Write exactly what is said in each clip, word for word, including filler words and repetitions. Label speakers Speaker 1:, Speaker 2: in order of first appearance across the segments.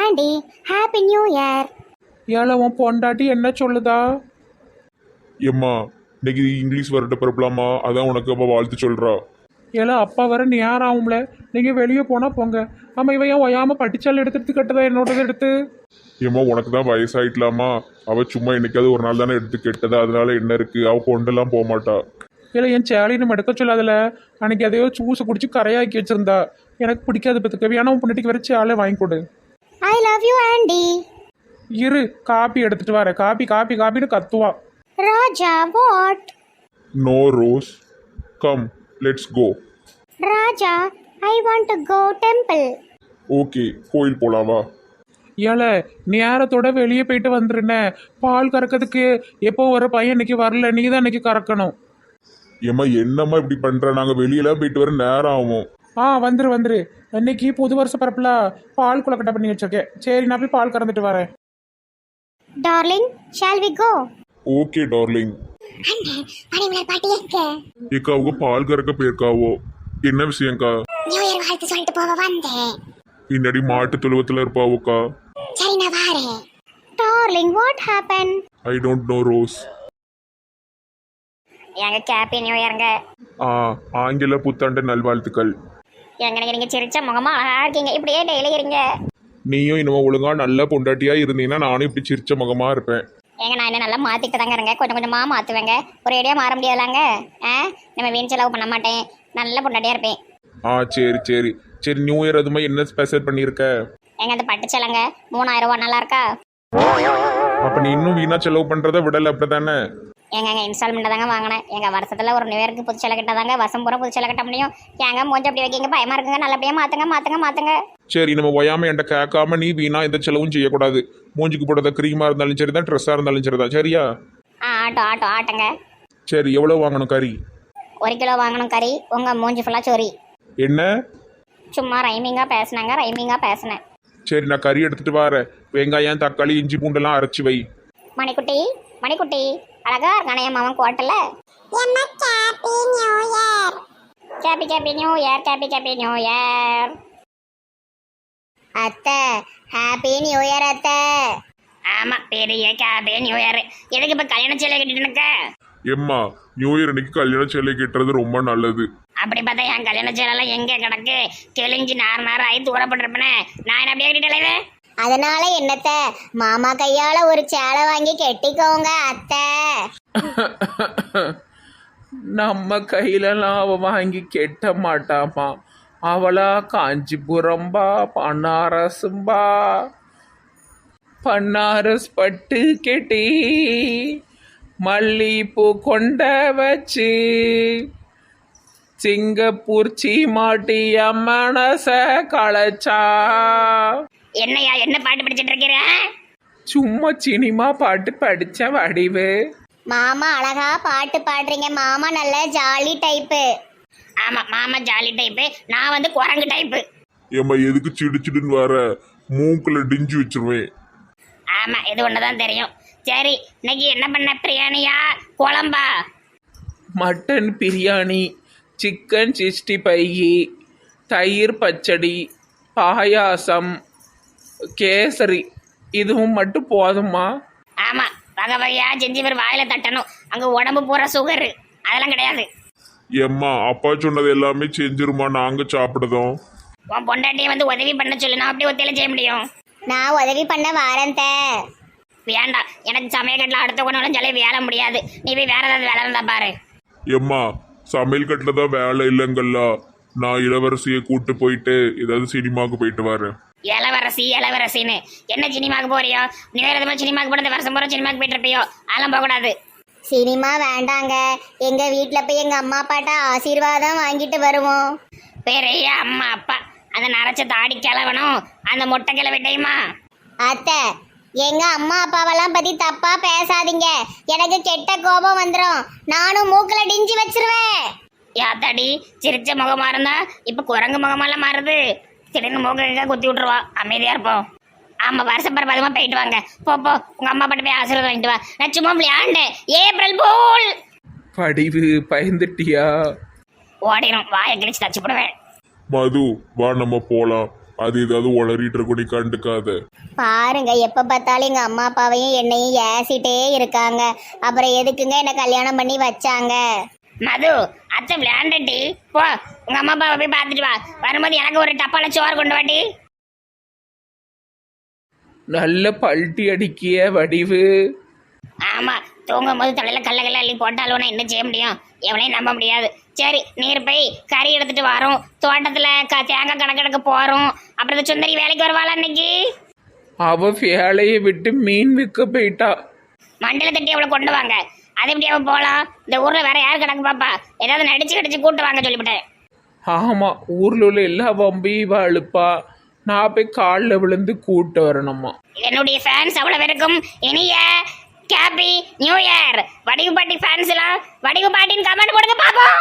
Speaker 1: Aunty, happy new year.
Speaker 2: ஏழை உன் பொண்டாட்டி என்ன சொல்லுதா?
Speaker 3: எம்மா இன்னைக்கு இங்கிலீஷ் வரட்ட பிறப்பலாமா, அதான் உனக்கு அப்போ வாழ்த்து சொல்கிறா.
Speaker 2: ஏழை அப்பா வர நேரம் ஆகும்ல, நீங்கள் வெளியே போனால் போங்க. ஆமாம், இவன் ஏன் ஒயாமல் பட்டிச்சால் எடுத்து கட்டதா என்னோடது எடுத்து?
Speaker 3: ஏம்மா உனக்கு தான் வயசாயிட்டலாமா, அவள் சும்மா என்னைக்காவது ஒரு நாள் தானே எடுத்து கெட்டதா, அதனால என்ன இருக்குது, அவள் கொண்டெல்லாம் போக மாட்டா.
Speaker 2: இல்லை என் சேலைன்னு எடுக்க சொல்லாதில்ல, அன்னைக்கு எதையோ ஜூஸை குடிச்சு கரையாக்கி வச்சிருந்தா. எனக்கு பிடிக்காது பத்துக்கு, வேணா உன் பொண்டாட்டிக்கு வர சேலை வாங்கி கொடு.
Speaker 1: I love you aunty.
Speaker 2: இரு, காப்பி எடுத்துட்டு வரேன். காப்பி காப்பி காப்பின்னு கத்துவா.
Speaker 1: Raja what?
Speaker 3: No Rose, come let's go.
Speaker 1: Raja, I want to go temple.
Speaker 3: Okay, கோயில் போலாவா?
Speaker 2: ஏழை நேரத்தோட வெளியே போயிட்டு வந்துருனே. பால் கறக்கிறதுக்கு எப்போ ஒரு பையன் இன்னைக்கு வரல, நீ தான் இன்னைக்கு கறக்கணும்.
Speaker 3: ஏம்மா என்னம்மா இப்படி பண்ணுற, நாங்கள் வெளியெல்லாம் போயிட்டு வர நேரம் ஆகும்.
Speaker 2: ஆ வந்துரு வந்துரு. இன்னைக்கு புது வருஷ பரப்புல பால் குளக்கட்டை பண்ணி வச்சிருக்கேன். சரி, நான் போய் பால் கறந்துட்டு வரேன்.
Speaker 1: Darling, shall we go?
Speaker 3: Okay darling.
Speaker 1: அண்ணே, பனிமலர் பாட்டி எங்க?
Speaker 3: ஏக்கா அவங்க பால் கறக்க போயிருக்காவோ. என்ன விஷயம்க்கா?
Speaker 1: நியூ இயர் வாழ்த்து சொல்லிட்டு போக வந்தேன்.
Speaker 3: பின்னாடி மாட்டு தொழுவத்தில் இருப்பாவோக்கா.
Speaker 1: சரி, நான் வரேன். Darling, what happen?
Speaker 3: I don't know Rose.
Speaker 1: எங்க ஹாப்பி நியூ இயர்ங்க.
Speaker 3: ஆ ஆங்கில புத்தாண்டு நல்வாழ்த்துக்கள்.
Speaker 1: எங்க நீங்க சிரிச்ச முகமா அழகா இருக்கீங்க. இப்படியே டெய்லி இருங்க.
Speaker 3: நீயும் இனிமே ஒழுங்கா நல்ல பொண்டாட்டியா இருந்தீங்கன்னா நானும் இப்படி சிரிச்ச முகமா இருப்பேன்.
Speaker 1: ஏங்க நான் என்ன நல்லா மாற்றிட்டு தாங்க இருங்க, கொஞ்சம் கொஞ்சமாக மாற்றுவேங்க. ஒரு ஐடியா மாற முடியாதுலாங்க. ஆ நம்ம வீண் செலவு பண்ண மாட்டேன், நல்ல பொண்டாட்டியாக இருப்பேன்.
Speaker 3: ஆ சரி சரி சரி. நியூ இயர் அது மாதிரி என்ன ஸ்பெஷல் பண்ணியிருக்க?
Speaker 1: ஏங்க அந்த பட்டு சேலைங்க மூணாயிரம் ரூபா நல்லா இருக்கா?
Speaker 3: அப்ப நீ இன்னும் வீணா செலவு பண்றத விடல அப்படித்தானே?
Speaker 1: ஏங்க இன்ஸ்டால்மெண்ட் தாங்க வாங்கினேன். எங்கள் வருஷத்தில் ஒரு நியூ இயருக்கு புது சேலை கட்டாதாங்க வருஷம் பூரா புது சேலை கட்ட முடியும். ஏங்க மூஞ்சி அப்படி வைக்கிங்க, பயமா இருக்குங்க. நல்லபடியாக மாற்றுங்க மாற்றுங்க மாற்றுங்க.
Speaker 3: சரி, நம்ம ஒயாம என்கிட்ட கேட்காம நீ வீணா எந்த செலவும் செய்யக்கூடாது. மூஞ்சிக்கு போடுறத க்ரீமா இருந்தாலும் சரி தான், ட்ரெஸ்ஸாக இருந்தாலும் சரி தான், சரியா?
Speaker 1: ஆ ஆட்டோ ஆட்டோ ஆட்டங்க.
Speaker 3: சரி, எவ்வளோ வாங்கணும் கறி?
Speaker 1: ஒரு கிலோ வாங்கணும் கறி. உங்கள் மூஞ்சி ஃபுல்லாக சொறி.
Speaker 3: என்ன?
Speaker 1: சும்மா ரைமிங்காக பேசினாங்க, ரைமிங்காக பேசினேன்.
Speaker 3: சரி, நான் கறி எடுத்துட்டு வரேன். வெங்காயம் தக்காளி இஞ்சி பூண்டெல்லாம் அரைச்சி வை.
Speaker 1: மணிக்குட்டி மணிக்குட்டி அழகா இருக்கானே என் மாமன் கோட்டல. Happy happy new year, happy happy new year. அத்தை, ஹாப்பி நியூ இயர் அத்தை. ஆமா, பெரிய கேப்பி நியூ இயர். எதுக்கு இப்ப கல்யாண சேலை கட்டிட்டு இருக்க?
Speaker 3: எம்மா, நியூ இயர் அன்னைக்கு கல்யாண சேலை கட்டுறது ரொம்ப நல்லது.
Speaker 1: அப்படி பார்த்தா என் கல்யாண சேலைலாம் எங்க கிடக்கு? கிழிஞ்சு நார் நார் ஆகி தூரப்பட்டிருப்பேனே. நான் என்ன அப்படியே கட்டிட்டே. அதனால என்னத்த, மாமா கையால ஒரு சேலை வாங்கி கெட்டிக்கோங்க அத்தை.
Speaker 2: நம்ம கையிலலாம் அவ வாங்கி கெட்ட மாட்டாமா. அவளா காஞ்சிபுரம்பா, பன்னாரசும்பா. பன்னாரஸ் பட்டு கெட்டி மல்லிப்பூ கொண்ட வச்சு சிங்கப்பூர் சீமாட்டிய மனச களைச்சா.
Speaker 1: என்னையா என்ன பாட்டு படிச்சிட்டு இருக்கிற?
Speaker 2: சும்மா சினிமா பாட்டு படிச்ச வடிவு.
Speaker 1: மாமா அழகா பாட்டு பாடுறீங்க. மாமா நல்ல ஜாலி டைப்பு. ஆமா, மாமா ஜாலி டைப்பு. நான் வந்து குரங்கு டைப்பு.
Speaker 3: ஏம்மா எதுக்கு சிடிச்சிடுன்னு வர? மூக்குல டிஞ்சு வச்சிருவேன்.
Speaker 1: ஆமா, இது ஒண்ணுதான் தெரியும். சரி, இன்னைக்கு என்ன பண்ண? பிரியாணியா குழம்பா?
Speaker 2: Mutton biryani, chicken sixty five, தயிர் பச்சடி, பாயாசம், கேசரி. இதுவும் மட்டும் போதுமா?
Speaker 1: ஆமா, வகை வகையா செஞ்சு பேர் வாயில தட்டணும். அங்க உடம்பு பூரா சுகர், அதெல்லாம் கிடையாது.
Speaker 3: எம்மா அப்பா சொன்னது எல்லாமே செஞ்சிருமா, நாங்க சாப்பிடுதோம்.
Speaker 1: உன் பொண்டாட்டியை வந்து உதவி பண்ண சொல்லு, நான் அப்படியே ஒத்தையில செய்ய முடியும். நான் உதவி பண்ண வாரந்த. வேண்டாம், எனக்கு சமயக்கட்டில் அடுத்த கொண்டு சொல்லி வேலை முடியாது. நீ போய் வேற ஏதாவது வேலை இருந்தா பாரு.
Speaker 3: எம்மா சமையல் கட்டில தான் வேலை இல்லைங்கல்ல, நான் இளவரசியை கூட்டு போயிட்டு ஏதாவது சினிமாவுக்கு போயிட்டு வரேன்.
Speaker 1: இளவரசி இளவரசின்னு என்ன சினிமாவுக்கு போறியோ? நீ வேற எதுவும் சினிமாவுக்கு போனது வருஷம் போற சினிமாவுக்கு போயிட்டு இருப்பியோ? அதெல்லாம் போகக்கூடாது. சினிமா வேண்டாங்க, எங்க வீட்டில் போய் எங்க அம்மா அப்பாட்ட ஆசீர்வாதம் வாங்கிட்டு வருவோம். பெரிய அம்மா அப்பா அந்த நரைச்ச தாடி கிளவனும் அந்த முட்டை கிளவிட்டையுமா? அத்தை, எங்க அம்மா அப்பாவெல்லாம் பத்தி தப்பா பேசாதீங்க. எனக்கு கெட்ட கோபம் வந்துடும். நானும் மூக்குல டிஞ்சி வச்சிருவேன். யாத்தாடி, சிரிச்ச முகமா இருந்தா இப்ப குரங்கு முகமெல்லாம் மாறுது. திடீர்னு மூக்க குத்தி விட்டுருவா. அமைதியா இருப்போம். ஆமா, வருஷ பரவாயில்லமா போயிட்டு வாங்க. போ போ, உங்க அம்மா பாட்டு போய் ஆசீர்வாதம் வாங்கிட்டு வா. நான் சும்மா விளையாண்டேன். April pool.
Speaker 2: படிவு பயந்துட்டியா?
Speaker 1: ஓடிடும், வாயை கிழிச்சு தச்சு போடுவேன்.
Speaker 3: மது வா நம்ம போலாம். அது ஏதாவது உளறிட்டு இருக்கும், நீ கண்டுக்காத.
Speaker 1: பாருங்க எப்ப பார்த்தாலும் எங்க அம்மா அப்பாவையும் என்னையும் ஏசிட்டே இருக்காங்க. அப்புறம் எதுக்குங்க என்ன கல்யாணம் பண்ணி வச்சாங்க? மது அத்தை விளையாண்டட்டி போ, உங்க அம்மா அப்பாவை போய் பார்த்துட்டு வா. வரும்போது எனக்கு ஒரு டப்பால சோறு கொண்டு வாட்டி.
Speaker 2: நல்ல பல்ட்டி அடிக்கிய வடிவு.
Speaker 1: ஆமா, தூங்கும் போது தலையில கல்ல கல்ல அள்ளி போட்டாலும் நான் என்ன செய்ய முடியும்? எவனையும் நம்ப முடியாது. சரி, நீர் போய் கறி எடுத்துட்டு வரோம். தோட்டத்துல க தேங்காய் கணக்கெடுக்க போறோம். அப்புறம் இந்த சுந்தரி வேலைக்கு வருவாளா இன்னைக்கு?
Speaker 2: அவ வேலையை விட்டு மீன் விற்க போயிட்டா.
Speaker 1: மண்டல தட்டி அவளை கொண்டு வாங்க. அது எப்படி அவ போலாம்? இந்த ஊர்ல வேற யார் கிடக்கு பாப்பா? ஏதாவது நடிச்சு கடிச்சு கூட்டு வாங்க சொல்லிவிட்டேன்.
Speaker 2: ஆமா, ஊர்ல உள்ள எல்லா வம்பையும் இவ அழுப்பா. நான் போய் காலில் விழுந்து கூட்டு வரணுமா.
Speaker 1: என்னுடைய ஃபேன்ஸ் அவ்வளவு இருக்கும். இனிய ஹாப்பி நியூ இயர். வடிவு பாட்டி ஃபேன்ஸ் எல்லாம் வடிவு பாட்டின்னு கமெண்ட் போடுங்க பாப்போம்.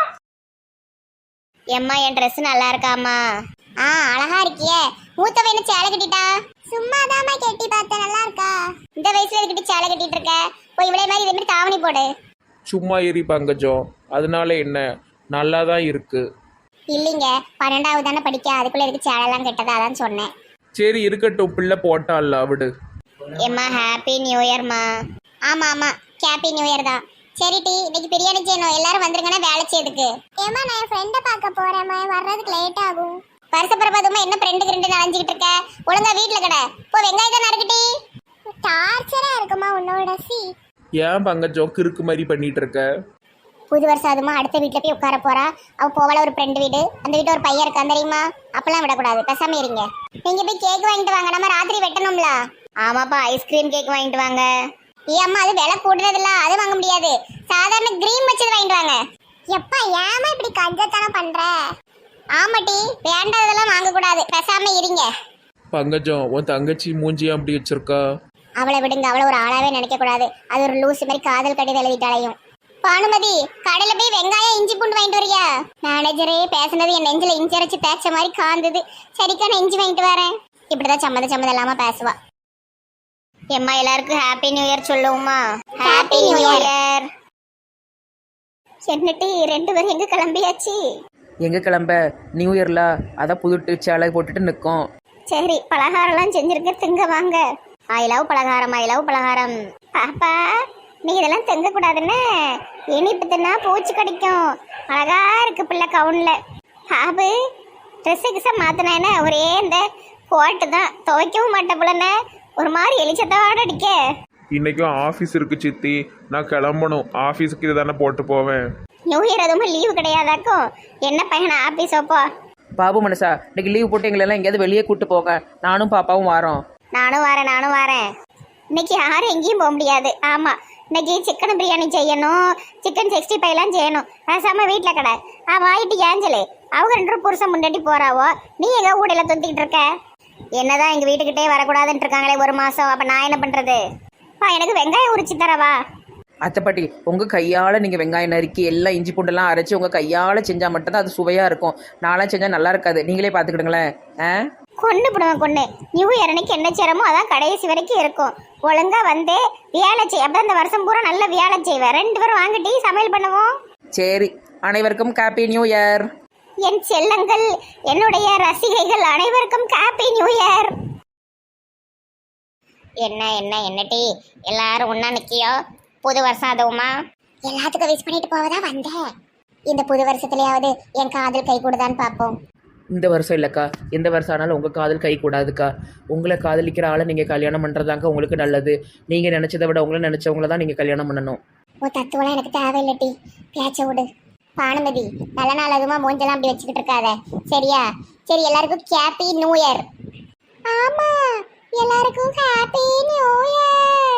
Speaker 1: எம்மா, என் ட்ரெஸ் நல்லா இருக்காமா? ஆ, அழகா இருக்கியே. மூத்தவ என்ன சேலை கட்டிட்டா? சும்மா தாமா கட்டி பார்த்தேன். நல்லா இருக்கா? இந்த வயசுல இதுக்கிட்ட சேலை கட்டிட்டு இருக்க? போய் இவ்வளவு மாதிரி இதே மாதிரி தாவணி போடு.
Speaker 2: சும்மா ஏறி பங்கஜம், அதனால என்ன, நல்லா தான் இருக்கு.
Speaker 1: இல்லைங்க, பன்னெண்டாவது தானே படிக்க, அதுக்குள்ள இருக்கு சேலைலாம் கெட்டதா, அதான் சொன்னேன்.
Speaker 2: சரி இருக்கட்டும், பிள்ளை போட்டால விடு.
Speaker 1: எம்மா ஹாப்பி நியூ இயர்மா. ஆமா ஆமா, ஹாப்பி நியூ இயர் தான். சரி டி, இன்னைக்கு பிரியாணி செய்யணும். எல்லாரும் வந்துருங்கன்னா வேலை செய்யுதுக்கு. ஏமா, நான் என் ஃப்ரெண்டை பார்க்க போறேம்மா, வர்றதுக்கு லேட் ஆகும். வருஷப்பிரபாதமா என்ன ஃப்ரெண்டுக்கு ரெண்டு நனைஞ்சிக்கிட்டு இருக்க? ஒழுங்கா வீட்டுல கடை போ. வெங்காயம் தான் நறுக்கிட்டி. டார்ச்சரா இருக்குமா உன்னோட சி.
Speaker 2: ஏன் பங்கஜம் கிறுக்கு மாதிரி பண்ணிட்டு இருக்க?
Speaker 1: புது வருஷம் அதுமா அடுத்த வீட்டுல போய் உட்கார போறா. அவ போவால ஒரு ஃப்ரெண்டு வீடு, அந்த வீட்டு ஒரு பையன் இருக்கான் தெரியுமா? அப்பெல்லாம் விடக்கூடாது, பேசாம இருங்க. நீங்க போய் கேக் வாங்கிட்டு வாங்க, நம்ம ராத்திரி வெட்டணும்ல. ஆமாப்பா, ஐஸ்கிரீம் கேக் வாங்கிட்டு வாங்க. ஏ அம்மா, அது விலை கூடுறது இல்ல, அது வாங்க முடியாது. சாதாரண கிரீம் வச்சது வாங்கிட்டு வாங்க. எப்பா, ஏமா இப்படி கஞ்சத்தனம் பண்ற? ஆமாட்டி, வேண்டாததெல்லாம் வாங்க கூடாது, பேசாம இருங்க.
Speaker 2: பங்கஜம், உன் தங்கச்சி மூஞ்சியா அப்படி வச்சிருக்கா?
Speaker 1: அவளை விடுங்க, அவளை ஒரு ஆளாவே நினைக்க கூடாது. அது ஒரு லூசு மாதிரி காதல் கடிதம் எழுதிட்டாலையும். பானுமதி, கடையில போய் வெங்காயம் இஞ்சி பூண்டு வாங்கிட்டு வரியா? மேனேஜரே பேசுனது என் நெஞ்சில இஞ்சி அரைச்சு தேய்ச்ச மாதிரி காந்தது. சரிக்கா, நான் இஞ்சி வாங்கிட்டு வரேன். இப்படிதான் சம்மத சம்மதம் இல்லாம பேசுவா. எம்மா, எல்லாருக்கும் ஹாப்பி நியூ இயர் சொல்லுவோமா? Happy new year. என்னட்டி ரெண்டு பேரும் எங்க கிளம்பியாச்சு?
Speaker 4: எங்கே கிளம்ப? நியூ இயர்ல அதான் புது சேலை போட்டுட்டு நிற்கும்.
Speaker 1: சரி, பலகாரம்லாம் செஞ்சிருக்க, திங்க வாங்க. ஐ லவ் பலகாரம், ஐ லவ் பலகாரம். பாப்பா, நீ இதெல்லாம் திங்க கூடாதுன்னு இனிப்பு தின்னா பூச்சி கடிக்கும். அழகா இருக்கு பிள்ளை கவுன்ல. பாபு, ட்ரெஸ்ஸு கிச மாத்தினேன்னு ஒரே இந்த கோட்டு தான், துவைக்கவும் மாட்டேன் பிள்ளைன்னு ஒரு மாதிரி எலிச்சத்தோட அடிக்க.
Speaker 2: இன்னைக்கும் ஆஃபீஸ் இருக்கு சித்தி, நான் கிளம்பணும். ஆஃபீஸுக்கு இதை தானே போட்டு போவேன்.
Speaker 1: நியூ இயர் எதுவும் லீவு கிடையாதாக்கும்? என்ன பையனா ஆஃபீஸ் அப்போ?
Speaker 4: பாபு மனசா, இன்னைக்கு லீவ் போட்டு எங்களெல்லாம் எங்கேயாவது வெளியே கூட்டு போக. நானும் பாப்பாவும் வரோம்.
Speaker 1: நானும் வரேன், நானும் வரேன். இன்னைக்கு யாரும் எங்கேயும் போக முடியாது. ஆமா, இன்னைக்கு சிக்கன் பிரியாணி செய்யணும், சிக்கன் சிக்ஸ்டி ஃபைவ்லாம் செய்யணும். பேசாம வீட்டில் கடை. ஆ வாயிட்டு ஏஞ்சலு, அவங்க ரெண்டு புருஷன் முன்னாடி போறாவோ, நீ எங்க ஊடையில தொத்திக்கிட்டு இருக்க? என்னதான் எங்க வீட்டுக்கிட்டே வரக்கூடாதுன்னு இருக்காங்களே ஒரு மாசம். அப்ப நான் என்ன பண்றது? பா, எனக்கு வெங்காயம் உரிச்சு தரவா?
Speaker 4: அத்தைப்பாட்டி, உங்கள் கையால் நீங்கள் வெங்காயம் நறுக்கி எல்லாம் இஞ்சி பூண்டெல்லாம் அரைச்சி உங்கள் கையால் செஞ்சால் மட்டும்தான் அது சுவையாக இருக்கும். நான்லாம் செஞ்சால் நல்லா இருக்காது, நீங்களே பார்த்துக்கிடுங்களேன். ஆ,
Speaker 1: கொண்டு போடுவேன் கொண்டு. நியூ இயர் அன்னைக்கு என்ன செய்யறமோ அதான் கடைசி வரைக்கும் இருக்கும். ஒழுங்கா வந்து வேலை செய். அப்போ இந்த வருஷம் பூரா நல்ல வேலை செய்வேன். ரெண்டு பேரும் வாங்கிட்டு சமையல் பண்ணுவோம்.
Speaker 4: சரி, அனைவருக்கும் ஹாப்பி நியூ இயர்.
Speaker 1: என் செல்லங்கள், என்னுடைய ரசிகைகள் அனைவருக்கும் ஹாப்பி நியூ இயர். என்ன என்ன என்னட்டி எல்லாரும் ஒன்னா நிக்கியோ? புது வருஷம் அதுவுமா? எல்லாத்துக்கும் விஷ் பண்ணிட்டு போவதா வந்தேன். இந்த புது வருஷத்துலயாவது என் காதல் கை கூடுதான்னு பார்ப்போம்.
Speaker 4: இந்த வருஷம் இல்லைக்கா, எந்த வருஷம் ஆனாலும் உங்கள் காதல் கை கூடாதுக்கா. உங்களை காதலிக்கிற ஆளை நீங்கள் கல்யாணம் பண்ணுறதாங்க உங்களுக்கு நல்லது. நீங்கள் நினச்சதை விட உங்களை நினச்சவங்கள தான் நீங்கள் கல்யாணம் பண்ணணும்.
Speaker 1: ஓ, தத்துவலாம் எனக்கு தேவையில்லட்டி, பேச்ச விடு. பானுமதி, நல்ல நாள் அதுமா மூஞ்செல்லாம் அப்படி வச்சுக்கிட்டு இருக்காத, சரியா? சரி, எல்லாருக்கும் ஹாப்பி நியூ இயர். ஆமா, எல்லாருக்கும் ஹாப்பி நியூ இயர்.